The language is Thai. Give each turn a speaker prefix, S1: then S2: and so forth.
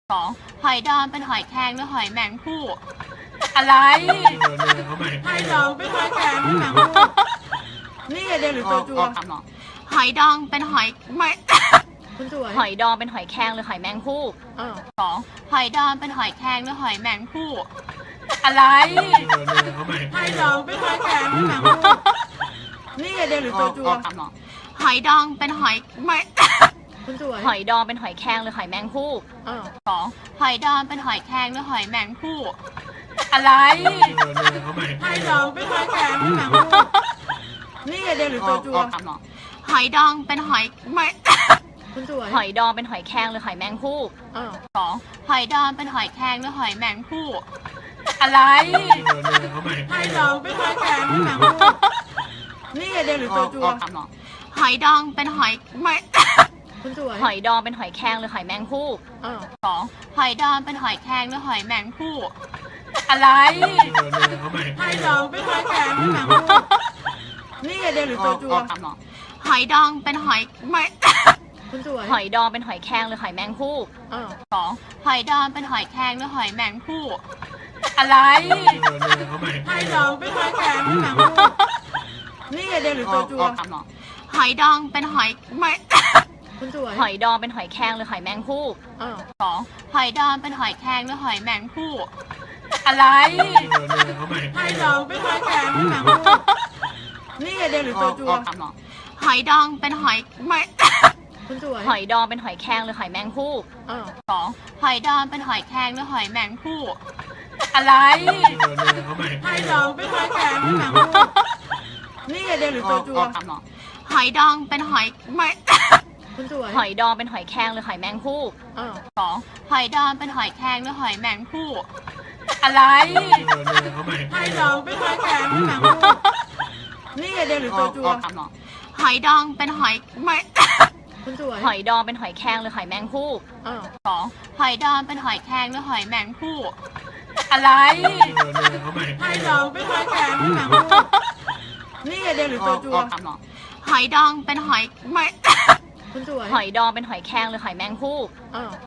S1: 2หอยดองเป็นหอยแครงหรือหอยแมงภู่อะไร
S2: หอยดองเป็นหอยแครงหรือแมงภู่นี่เดียวหรือตัวจัว
S1: หอยดองเป็นหอยไม่
S2: คุณสวย
S1: หอยดองเป็นหอยแครงหรือหอยแมงภู่2หอยดองเป็นหอยแครงหรือหอยแมงภู่อะไร
S2: หอยดองเป็นหอยแครงหรือแมงภู่นี่เดียวหรือตัวจัว
S1: หอยดองเป็นหอยไม่
S2: คุณสวย
S1: หอยดองเป็นหอยแครงหรือหอยแมงภู่2หอยดองเป็นหอยแครงหรือหอยแมงภู่อะไร
S2: หอยดองเป็นหอยแครงหรือแมงภู่นี่เดียวหรือตัวจัว
S1: หอยดองเป็นหอยไม่
S2: คุณสวย
S1: หอยดองเป็นหอยแครงหรือหอยแมงภู่2หอยดองเป็นหอยแครงหรือหอยแมงภู่อะไร
S2: หอยดองเป็นหอยแครงหรือแมงภู่นี่เดียวหรือตัวจัว
S1: หอยดองเป็นหอยไม่
S2: คุณสวย
S1: หอยดองเป็นหอยแครงหรือหอยแมงภู่2หอยดองเป็นหอยแครงหรือหอยแมงภู่อะไร
S2: หอยดองเป็นหอยแครงหรือแมงภู่นี่เดียวหรือตัวจัว
S1: หอยดองเป็นหอยไม่
S2: คุณสวย
S1: หอยดองเป็นหอยแครงหรือหอยแมงภู่2หอยดองเป็นหอยแครงหรือหอยแมงภู่อะไร
S2: หอยดองเป็นหอยแครงหรือแมงภู่นี่เดียวหรือตัวจัว
S1: หอยดองเป็นหอยไม่
S2: คุณสวย
S1: หอยดองเป็นหอยแครงหรือหอยแมงภู่2หอยดองเป็นหอยแครงหรือหอยแมงภู่อะไร
S2: หอยดองเป็นหอยแครงหรือแมงภู่นี่เดียวหรือตัวจัว
S1: หอยดองเป็นหอยไม่
S2: คุณสวย
S1: หอยดองเป็นหอยแครงหรือหอยแมงภู่2หอยดองเป็นหอยแครงหรือหอยแมงภู่อะไร
S2: หอยดองเป็นหอยแครงหรือแมงภู่นี่เดียวหรือตัวจัว
S1: หอยดองเป็นหอยไม่
S2: คุณสวย
S1: หอยดองเป็นหอยแครงหรือหอยแมงภู่2หอยดองเป็นหอยแครงหรือหอยแมงภู่อะไร
S2: หอยดองเป็นหอยแครงหรือแมงภู่นี่เดียวหรือตัวจัว
S1: หอยดองเป็นหอยไม่
S2: คุณสวย
S1: หอยดองเป็นหอยแครงหรือหอยแมงภู่2หอยดองเป็นหอยแครงหรือหอยแมงภู่อะไร
S2: หอยดองเป็นหอยแครงหรือแมงภู่นี่เดียวหรือตัวจัว
S1: หอยดองเป็นหอยไม่
S2: คุณสวย
S1: หอยดองเป็นหอยแครงหรือหอยแมงภู่